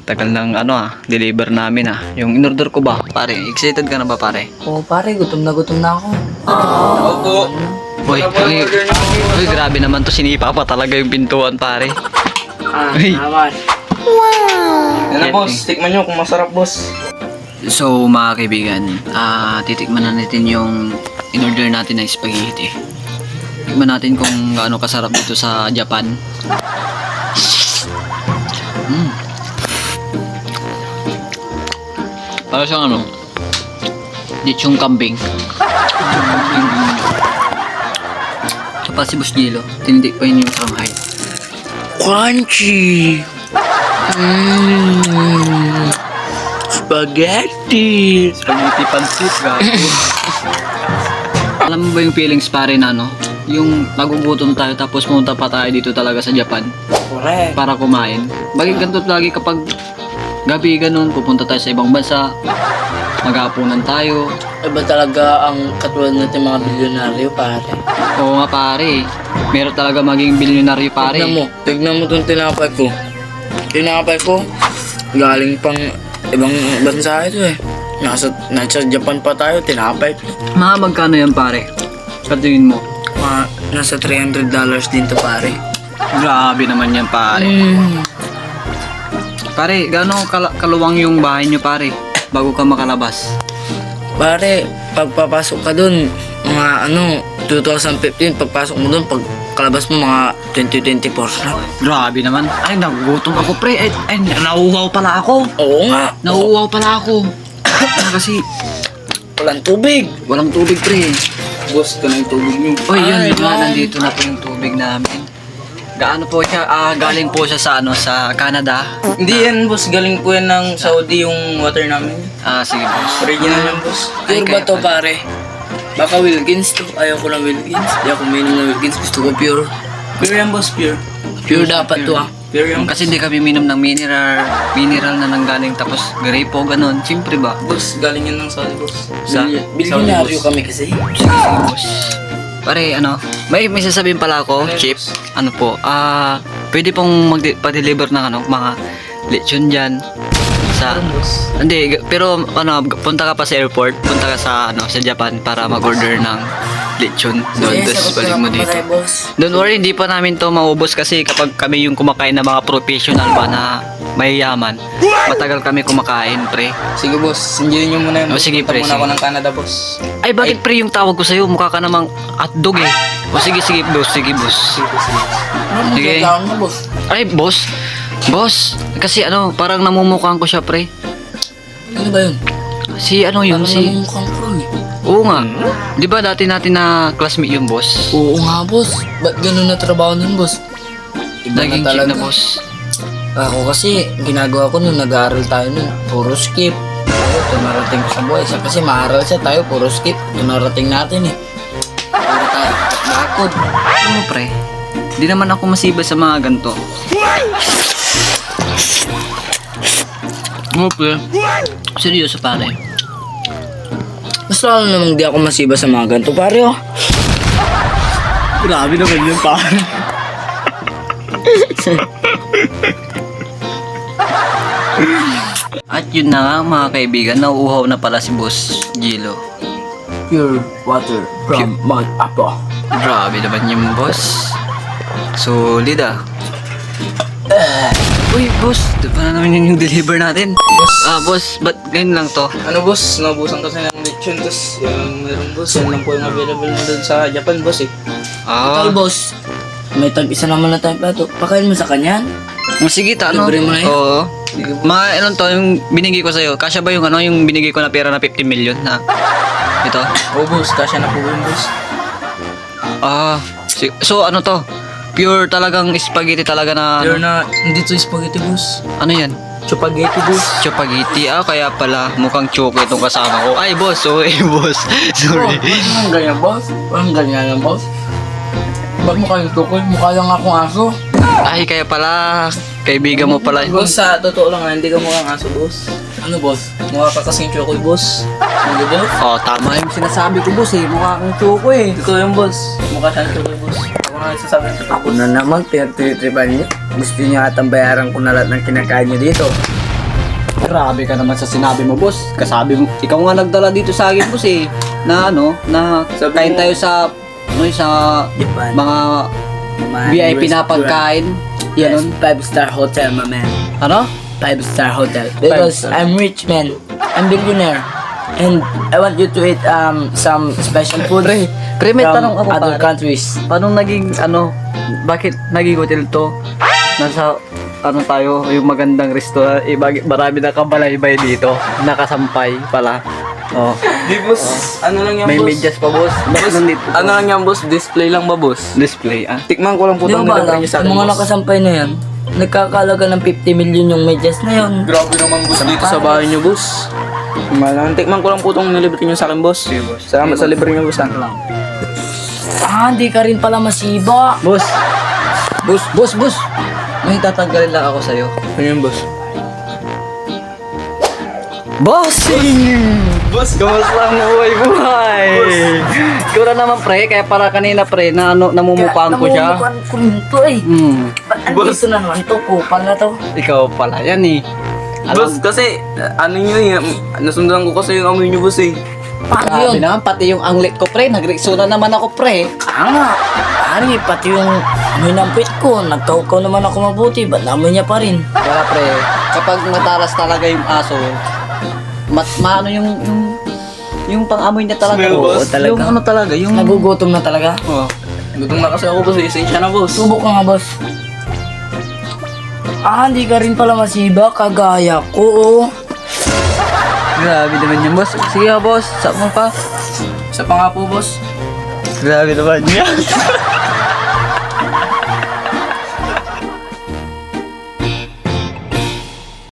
tagal ng deliver namin Yung in-order ko ba, pare? Excited ka na ba, pare? Oo pare, gutom na ako. Opo. Uy, grabe naman to, sinipa pa talaga yung pintuan, pare. Uy. Naman. Yan na boss, tikman nyo kung masarap boss. So, mga kaibigan, titikman na natin yung in-order natin na spaghetti. Tikman natin kung gaano kasarap dito sa Japan. Para siyang lechong kambing. Tapos si Boss Gilo, tinitik pa yun yung Shanghai. Crunchy! Spaghetti! Spaghetti pansit, gato. Alam mo ba yung feelings pare na yung nagugutom tayo tapos pumunta pa tayo dito talaga sa Japan Correct. para kumain. Bakit ganito lagi kapag gabi ganun, pupunta tayo sa ibang bansa, maghapunan tayo. Iba talaga ang katulad natin mga bilyonaryo pare. Oo nga pare, meron talaga maging bilyonaryo pare. Tignan mo itong tinapay ko. Tinapay ko, galing pang ibang bansa ito eh. Nasa Japan pa tayo, tinapay. Mga magkano yan pare? Sa tingin mo? Nasa $300 din to pare. Grabe naman yan pare. Pare, gaano kaluwang yung bahay nyo pare bago ka makalabas? Pare, pagpapasok ka dun, mga 2015, pagpasok mo dun, pagkalabas mo mga 2024 na. Grabe naman. Ay, nagugutom ako pre. Ay, nauuhaw pala ako. Oo nga. Nauuhaw pala ako. Kasi Walang tubig. walang tubig pre. Boss, ito na yung tubig nyo. Uy, yun, Ay, diba? man. Nandito na po yung tubig namin. Gaano po siya? Galing po siya sa Canada. Hindi yan boss, galing po yan ng Saudi yung water namin. Sige boss. Original yan boss. Pure ba kaya to pala. pare? Baka Wilkins to. Ayaw ko ng Wilkins. Hindi ako minom ng Wilkins. Gusto ko pure. Pure yan boss, pure. Pure dapat to Pure yan. Kasi hindi kami minom ng mineral na nanggaling tapos grapo, ganun. Siyempre ba? Boss, galing yan ng Saudi boss. Bilyonaryo kami kasi. Sige, boss. Pare, may sasabihin pala ako, Ano, Chip. boss? Pwede pong pa-deliver ng mga lechon dyan. Boss. Hindi, pero punta ka pa sa airport, punta ka sa Japan para mag-order ng lechon doon, tapos balik mo dito. Don't worry, hindi pa namin to maubos kasi kapag kami yung kumakain na mga professional ba na mayayaman, matagal kami kumakain, pre. Sige boss, sindihin nyo muna yun. Oh, sige, Punta pre, muna ako sige. ng Canada boss. Ay, bakit pre yung tawag ko sa'yo? Mukha ka namang hotdog eh. O sige, boss. Sige, boss. Ano Sige. mo boss? Ay, boss. Boss, kasi parang namumukhaan ko siya, pre. Ano ba yun? Si yun, Parang si... namumukhang pro eh. Oo nga. Di ba dati natin na classmate yung boss? Oo nga boss. Ba't ganun na trabaho nun boss? Iba Naging chick na boss. Ako kasi, ginagawa ko nung nag-aaral tayo nun, puro skip. Ito narating ko sa buhay. Siya kasi maaral siya, tayo puro skip. Ito narating natin eh. Puro tayo bakod. Ano, pre? Di naman ako masiba sa mga ganito. Ano, pre? Seryoso, pare. Mas lalo namang di ako masiba sa mga ganito, pare oh. Grabe naman yun, pare. At yun na nga, mga kaibigan, nauuhaw na pala si Boss Gilo. Pure water from Mount Apo. Grabe naman yung boss. Solid Uy, boss, di ba na naman yun yung deliver natin? Boss. Boss, ba't ganyan lang to? Ano boss, naubusan kasi ng lechon tapos yung meron boss, yan lang po yung available na doon sa Japan boss eh. Ikaw boss, may tag-isa naman na tayong plato. Pakain mo sa kanyan? Sige, Libre mo na yun? Oo. Sige boss. To, yung binigay ko sa'yo, kasya ba yung yung binigay ko na pera na 50 million na? Ito? Oo boss, kasya na po yun boss. So ano to? Pure talagang spaghetti talaga na Pure na, hindi to spaghetti boss. ano yan? Chupaghetti boss. Chopagiti. Kaya pala mukhang choco itong kasama ko. Ay, boss. Sorry, boss. Sorry. Ang ganyan boss? Ang ganyan yan boss? Ba't mukha yung tukoy? Mukha lang akong aso. Ay, kaya pala. Kaibigan mo pala. Boss, sa totoo lang hindi ka mukhang aso boss. Ano boss? Mukha ka kasing chokoy boss. Ano boss? Tama yung sinasabi ko, boss eh. Mukha kang choco eh. Ikaw yung boss. Mukha siyang chokoy boss. Ako nga nagsasabi ng totoo Ako boss. na naman, pinagtritripan niyo. Gusto niyo atang bayaran ko na lahat ng kinakain niyo dito. Grabe ka naman sa sinabi mo, boss. Kasabi mo, ikaw nga nagdala dito sa akin, boss eh. Na ano, na Sabi kain mo- tayo sa sa Japan. mga VIP na pagkain. Yes, Yan. 5-star hotel, my man. Ano? 5-star hotel. Because Five-star. I'm rich, man. I'm billionaire. And I want you to eat some special food Pre, may from tanong ako, other pare. countries. Paano naging ano, bakit naging hotel to? Nasa ano tayo, yung magandang restaurant, marami na kabalaybay dito, nakasampay pala. Oh, Di boss, ano lang yan may boss? medyas pa, boss. Bakit nandito? Ano lang yan boss, display lang ba boss? Display, ah. Tikman ko lang po Di itong ba nilagay alam, niyo sa yung akin mga boss. nakasampay na yan, nagkakalaga ng 50 million yung medyas na yun. Grabe naman boss dito sa bahay niyo boss. Malang, tikman ko lang po itong nilibre niyo sa akin boss. Salamat sa libre niyo boss. Hindi ka rin pala masiba. Boss. Boss. May tatanggalin lang ako sa'yo. Ano yun boss? Bossing! Boss, kamusta ang buhay? Ikaw na naman, pre. Kaya para kanina, pre, na ano, namumukhaan ko siya. Namumukhaan ko rin to eh. Ba't andito na naman to? Kupal na to. Ikaw pala yan eh. Boss, kasi, ano nyo eh, nasundan ko kasi yung amoy nyo boss eh. Paano Grabe yun? naman, pati yung anglet ko, pre. Nagreksona naman ako, pre. Nga. Pari, pati yung amoy ng pit ko. Nagkaukaw naman ako mabuti. Ba't namoy niya pa rin? Kaya, pre, kapag mataras talaga yung aso, maano yung pang-amoy niya talaga. Smell, boss. talaga. Yung ano talaga, yung... Nagugutom na talaga. Oh, gutom na kasi ako boss eh, esensya na boss. Subok ka nga, boss. Hindi ka rin pala masiba. Kagaya ko, oh. Grabe naman yung boss. Sige nga, boss. Saan mo pa? Isa pa nga po boss. Grabe naman yan.